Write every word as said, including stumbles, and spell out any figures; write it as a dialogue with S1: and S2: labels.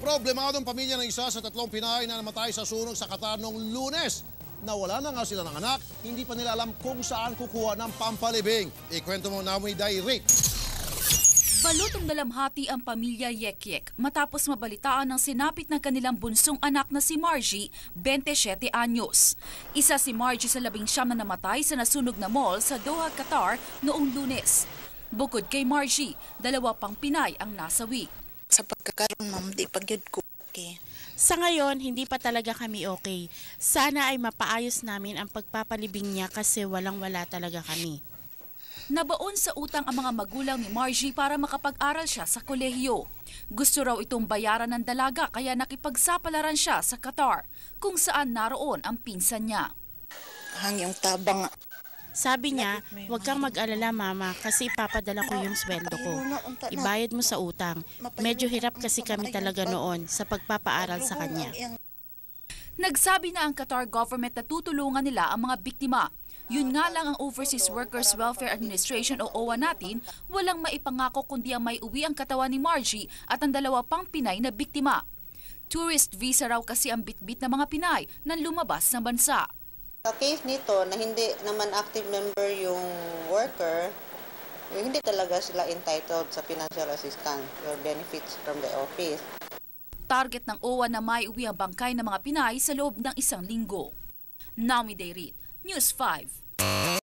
S1: Problemadong pamilya ng isa sa tatlong Pinay na namatay sa sunog sa Qatar noong Lunes. Nawala na nga sila ng anak, hindi pa nila alam kung saan kukuha ng pampalibing. Ikwento mo na mo Dairit.
S2: Balotong dalamhati ang pamilya Yekyek matapos mabalitaan ng sinapit ng kanilang bunsong anak na si Margie, twenty-siyete anyos. Isa si Margie sa labing siyam na namatay sa nasunog na mall sa Doha, Qatar noong Lunes. Bukod kay Margie, dalawa pang Pinay ang nasawi.
S3: Sa pagkakaroon, ma'am, di pagyud ko okay.
S4: Sa ngayon, hindi pa talaga kami okay. Sana ay mapaayos namin ang pagpapalibing niya kasi walang-wala talaga kami.
S2: Nabaon sa utang ang mga magulang ni Margie para makapag-aral siya sa kolehiyo. Gusto raw itong bayaran ng dalaga kaya nakipagsapalaran siya sa Qatar, kung saan naroon ang pinsan niya.
S3: Hang yung tabang.
S4: Sabi niya, huwag kang mag-alala mama kasi ipapadala ko yung sweldo ko. Ibayad mo sa utang. Medyo hirap kasi kami talaga noon sa pagpapaaral sa kanya.
S2: Nagsabi na ang Qatar government na tutulungan nila ang mga biktima. Yun nga lang ang Overseas Workers Welfare Administration o O W A natin, walang maipangako kundi ang may uwi ang katawan ni Margie at ang dalawa pang Pinay na biktima. Tourist visa raw kasi ang bitbit ng mga Pinay nang lumabas ng bansa.
S5: Sa case nito na hindi naman active member yung worker, hindi talaga sila entitled sa financial assistance or benefits from the office.
S2: Target ng O W A na may uwi ang bangkay ng mga Pinay sa loob ng isang linggo. Naomi Dairit, News five.